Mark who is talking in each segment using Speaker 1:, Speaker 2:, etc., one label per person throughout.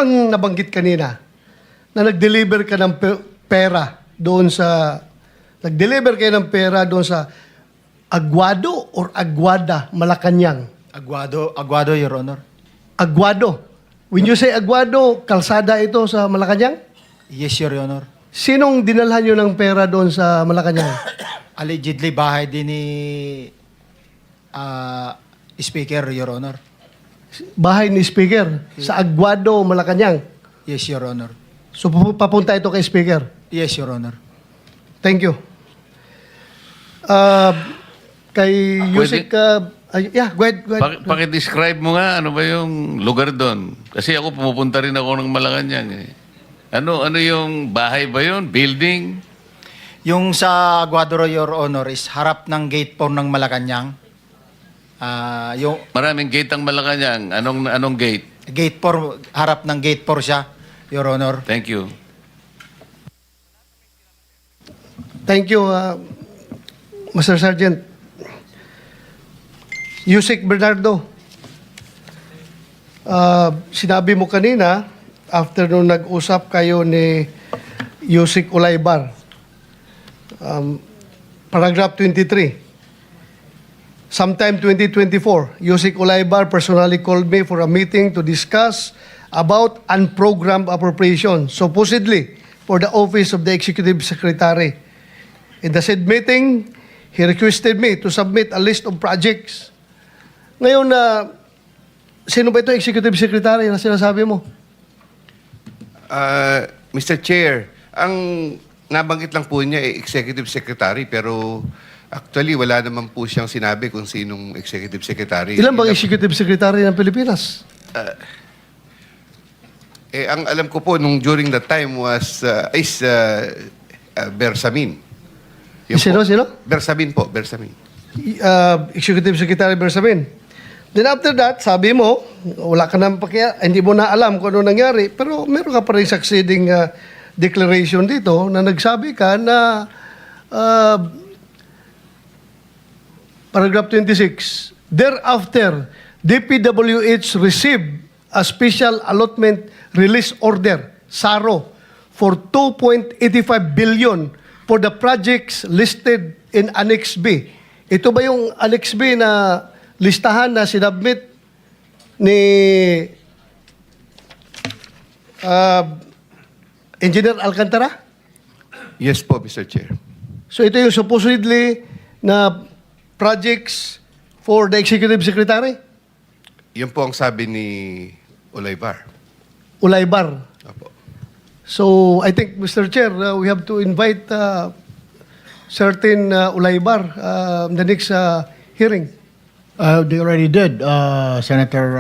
Speaker 1: kang nabanggit kanina na nag-deliver ka ng pera doon sa Aguado or Aguada, Malacanang?
Speaker 2: Aguado, Your Honor.
Speaker 1: Aguado. When you say Aguado, kalsada ito sa Malacanang?
Speaker 2: Yes, Your Honor.
Speaker 1: Sinong dinalhan nyo ng pera doon sa Malacanang?
Speaker 2: Allegedly, bahay din ni Speaker, Your Honor.
Speaker 1: Bahay ni Speaker sa Aguado, Malacanang.
Speaker 2: Yes, Your Honor.
Speaker 1: So papunta ito kay Speaker.
Speaker 2: Yes, Your Honor.
Speaker 1: Thank you. Kay Yusik, yeah, go ahead.
Speaker 3: Paki-describe mo nga ano ba yung lugar doon. Kasi ako pumupunta rin ako ng Malacanang eh. Ano yung bahay ba yun? Building?
Speaker 2: Yung sa Aguado, Your Honor, is harap ng gate 4 ng Malacanang.
Speaker 3: Maraming gate ang Malacanang. Anong gate?
Speaker 2: Gate 4, harap ng gate 4 siya, Your Honor.
Speaker 3: Thank you.
Speaker 1: Thank you, Mr. Sergeant. Yusik Bernardo, sinabi mo kanina, after nung nag-usap kayo ni Yusik Ulaybar, paragraph 23, sometime 2024, Yusik Ulaybar personally called me for a meeting to discuss about unprogrammed appropriation, supposedly for the office of the Executive Secretary. In the said meeting, he requested me to submit a list of projects. Ngayon sino ba ito Executive Secretary na sinasabi mo?
Speaker 4: Mr. Chair, ang nabanggit lang po niya ay Executive Secretary pero actually wala naman po siyang sinabi kung sinong Executive Secretary.
Speaker 1: Ilan bang Executive Secretary ng Pilipinas?
Speaker 4: Ang alam ko po nung during that time was Bersamin.
Speaker 1: Sino?
Speaker 4: Bersamin po, Bersamin.
Speaker 1: Executive Secretary Bersamin. Then after that, sabi mo, wala ka nang hindi mo na alam kung ano nangyari, pero meron ka pa rin succeeding declaration dito na nagsabi ka na paragraph 26, thereafter, DPWH received a special allotment release order, SARO, for 2.85 billion for the projects listed in Annex B. Ito ba yung Annex B na listahan na sinabmit ni Engineer Alcantara?
Speaker 4: Yes po, Mr. Chair.
Speaker 1: So ito yung supposedly na projects for the Executive Secretary?
Speaker 4: Yun po ang sabi ni Ulaybar.
Speaker 1: Ulaybar.
Speaker 4: Opo.
Speaker 1: So I think, Mr. Chair, we have to invite certain Ulaybar in the next hearing.
Speaker 5: They already did, Senator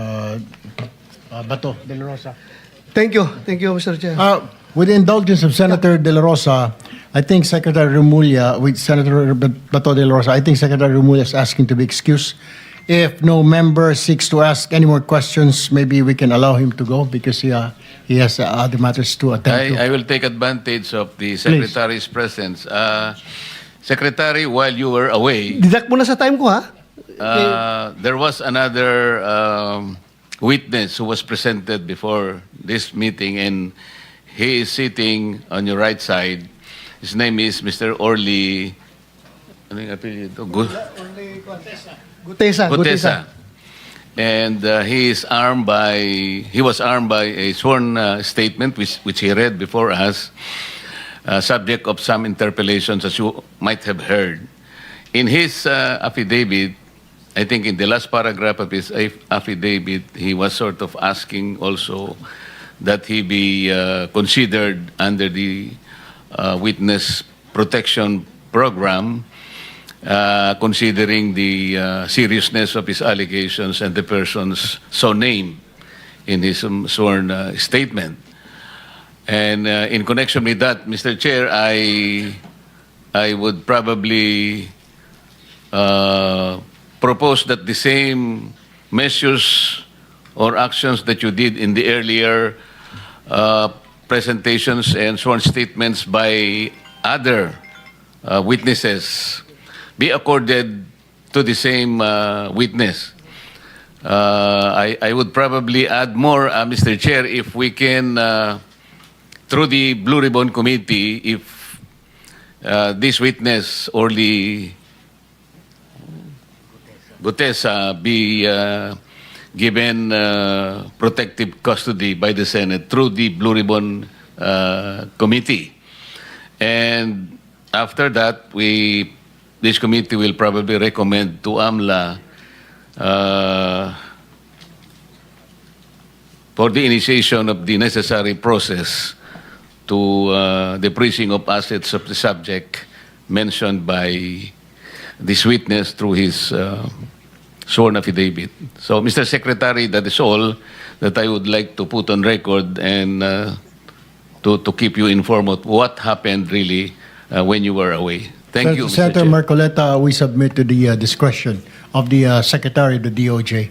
Speaker 5: Bato de la Rosa.
Speaker 1: Thank you, Mr. Chair.
Speaker 5: With the indulgence of Senator de la Rosa, I think Secretary Remulla, with Senator Bato de la Rosa, I think Secretary Remulla is asking to be excused. If no member seeks to ask any more questions, maybe we can allow him to go because he has other matters to attend to.
Speaker 3: I will take advantage of the Secretary's presence. Secretary, while you were away,
Speaker 1: Didak mo na sa time ko, ha?
Speaker 3: there was another witness who was presented before this meeting, and he is sitting on your right side. His name is Mr. Orly. Ano yung apelyido? Gutesa. And he was armed by a sworn statement which he read before us, subject of some interpellations, as you might have heard. In his affidavit, I think in the last paragraph of his affidavit, he was sort of asking also that he be considered under the witness protection program, considering the seriousness of his allegations and the persons so named in his sworn statement. And in connection with that, Mr. Chair, I would probably propose that the same measures or actions that you did in the earlier presentations and sworn statements by other witnesses be accorded to the same witness. I would probably add more, Mr. Chair, if we can, through the Blue Ribbon Committee, if this witness, Orly Gutesa, be given protective custody by the Senate through the Blue Ribbon Committee. And after that, this committee will probably recommend to AMLA for the initiation of the necessary process to the freezing of assets of the subject mentioned by this witness through his sworn affidavit. So, Mr. Secretary, that is all that I would like to put on record and to keep you informed of what happened really when you were away. Thank you, Mr.
Speaker 5: Senator
Speaker 3: Chair.
Speaker 5: Marcoleta, we submit to the discretion of the Secretary of the DOJ.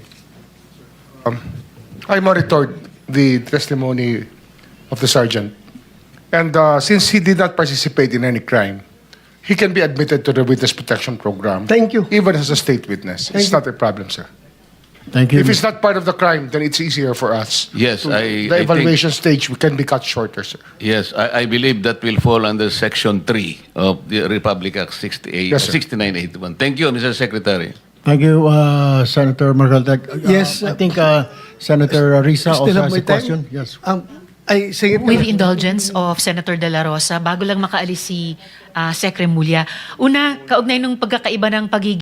Speaker 6: I monitored the testimony of the sergeant. And since he did not participate in any crime, he can be admitted to the Witness Protection Program.
Speaker 1: Thank you.
Speaker 6: Even as a state witness. It's not a problem, sir.
Speaker 5: Thank you.
Speaker 6: If it's not part of the crime, then it's easier for us.
Speaker 3: Yes,
Speaker 6: to-
Speaker 3: I
Speaker 6: The
Speaker 3: think-
Speaker 6: evaluation stage can be cut shorter, sir.
Speaker 3: Yes, I believe that will fall under Section 3 of the Republic Act 6981. Thank you, Mr. Secretary.
Speaker 5: Thank you, Senator Marcoleta.
Speaker 1: Yes,
Speaker 5: I think Senator Risa
Speaker 1: Still
Speaker 5: also
Speaker 1: have
Speaker 5: has
Speaker 1: my
Speaker 5: a question.
Speaker 1: time?
Speaker 5: Yes.
Speaker 1: I say it.
Speaker 7: With the indulgence of Senator De La Rosa, bago lang makaalis si Sec. Remulla, una, kaugnay ng pagkakaiba ng pagiging